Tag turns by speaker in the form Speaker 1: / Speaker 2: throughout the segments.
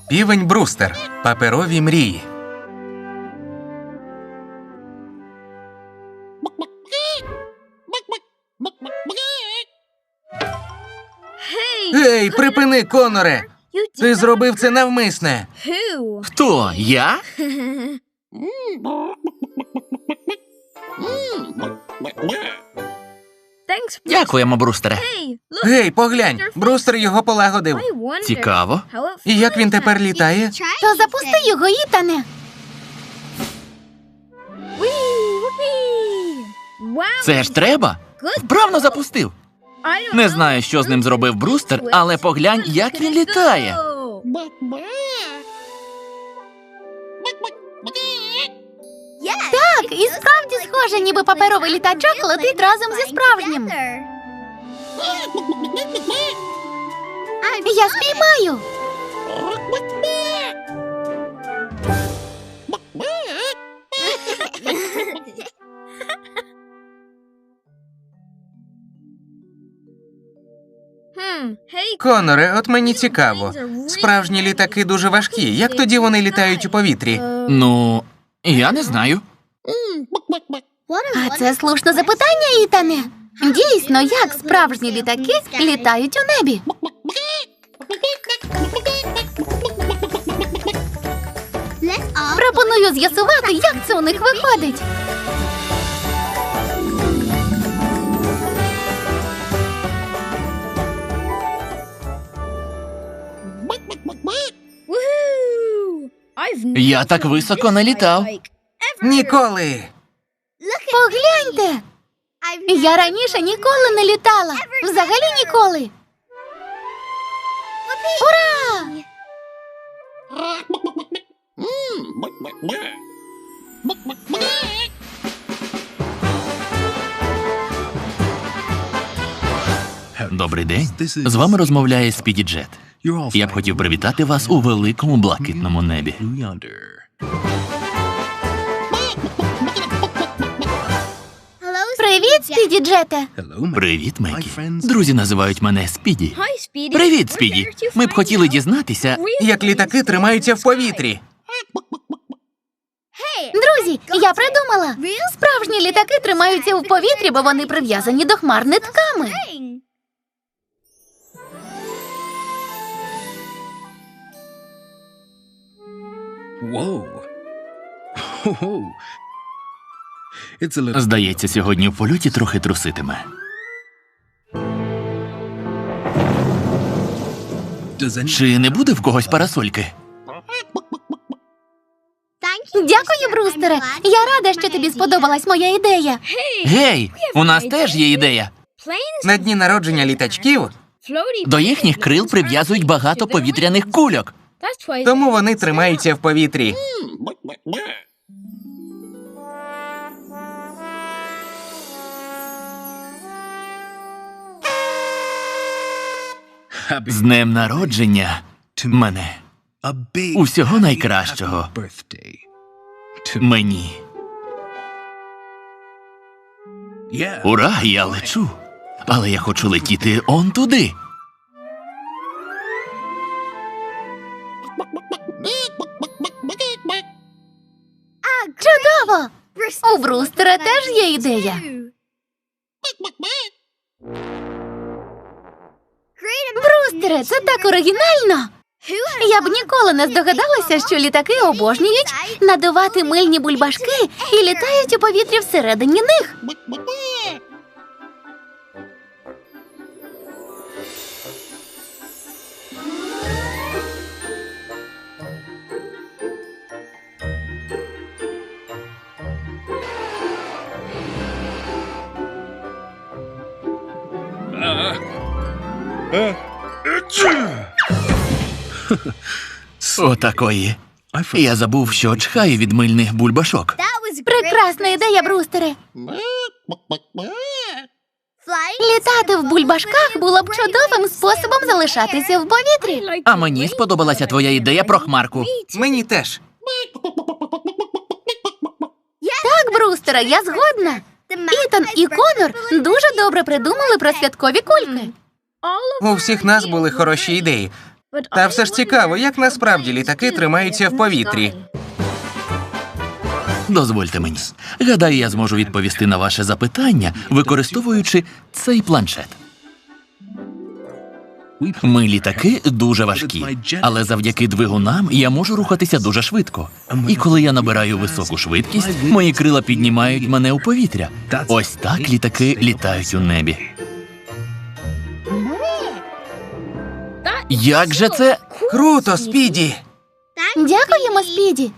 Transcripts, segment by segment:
Speaker 1: Півень Брустер. Паперові мрії. Гей, припини, Коноре! Ти зробив це навмисне.
Speaker 2: Хто? Я? Дякуємо, Брустере.
Speaker 1: Гей, поглянь, Брустер його полагодив.
Speaker 2: Цікаво.
Speaker 1: І як він тепер літає?
Speaker 3: То запусти його, Ітане.
Speaker 2: Це ж треба? Вправно запустив. Не знаю, що з ним зробив Брустер, але поглянь, як він літає.
Speaker 3: Так, і справді схоже, ніби паперовий літачок летить разом зі справжнім. Я спіймаю.
Speaker 1: Коноре, от мені цікаво. Справжні літаки дуже важкі. Як тоді вони літають у повітрі?
Speaker 2: Ну, я не знаю.
Speaker 3: А це слушне запитання, Ітане. Дійсно, як справжні літаки літають у небі? Пропоную з'ясувати, як це у них виходить.
Speaker 2: Я так високо не літав.
Speaker 1: Ніколи!
Speaker 3: Погляньте! Я раніше ніколи не літала. Взагалі ніколи. Ура!
Speaker 2: Добрий день. З вами розмовляє Спіді Джет. Я б хотів привітати вас у великому блакитному небі.
Speaker 3: Привіт, Спіді Джете.
Speaker 2: Привіт, Мегі. Друзі називають мене Спіді. Привіт, Спіді. Ми б хотіли дізнатися,
Speaker 1: Як літаки тримаються в повітрі.
Speaker 3: Друзі, я придумала. Справжні літаки тримаються в повітрі, бо вони прив'язані до хмар нитками.
Speaker 2: здається, сьогодні в польоті трохи труситиме. Чи не буде в когось парасольки?
Speaker 3: Дякую, Брустере. Я рада, що тобі сподобалась моя ідея.
Speaker 2: Гей, у нас теж є ідея.
Speaker 1: На дні народження літачків,
Speaker 2: До їхніх крил прив'язують багато повітряних кульок.
Speaker 1: тому вони тримаються в повітрі.
Speaker 2: З днем народження мене. Усього найкращого. Мені. Ура, я лечу. Але я хочу летіти он туди.
Speaker 3: Чудово! У Брустера теж є ідея. Брустере, це так оригінально! Я б ніколи не здогадалася, що літаки обожнюють надувати мильні бульбашки і літають у повітрі всередині них.
Speaker 2: Отакої. Я забув, що чхаю від мильних бульбашок.
Speaker 3: Прекрасна ідея, Брустере. Літати в бульбашках було б чудовим способом залишатися в повітрі.
Speaker 2: А мені сподобалася твоя ідея про хмарку.
Speaker 1: Мені теж.
Speaker 3: Так, Брустере, я згодна. Ітан і Конор дуже добре придумали про святкові кульки.
Speaker 1: У всіх нас були хороші ідеї. Та все ж цікаво, як насправді літаки тримаються в повітрі.
Speaker 2: Дозвольте мені. Гадаю, я зможу відповісти на ваше запитання, використовуючи цей планшет. Ми літаки дуже важкі, але завдяки двигунам я можу рухатися дуже швидко. І коли я набираю високу швидкість, мої крила піднімають мене у повітря. Ось так літаки літають у небі. Як же це?
Speaker 1: Круто, Спіді!
Speaker 3: Дякуємо, Спіді.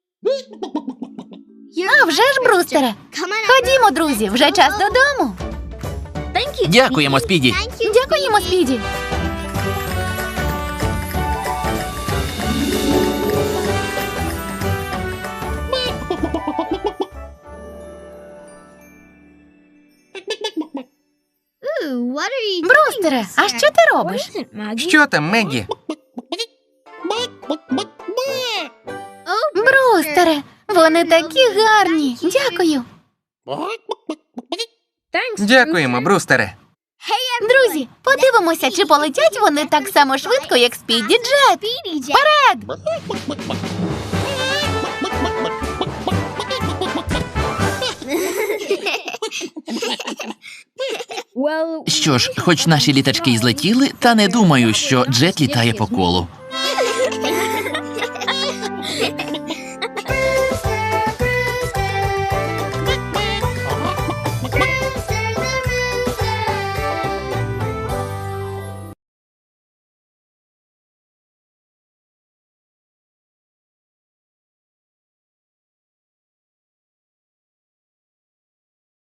Speaker 3: А вже ж, Брустере. Ходімо, друзі, вже час додому.
Speaker 2: Дякуємо, Спіді.
Speaker 3: Дякуємо, Спіді. Брустере, а що ти робиш?
Speaker 1: Що там, Мегі?
Speaker 3: Брустере, вони такі гарні. Дякую.
Speaker 1: Дякуємо, Брустере.
Speaker 3: Друзі, подивимося, чи полетять вони так само швидко, як Спіді Джет. Вперед!
Speaker 2: Що ж, хоч наші літачки й злетіли, та не думаю, що Джет літає по колу.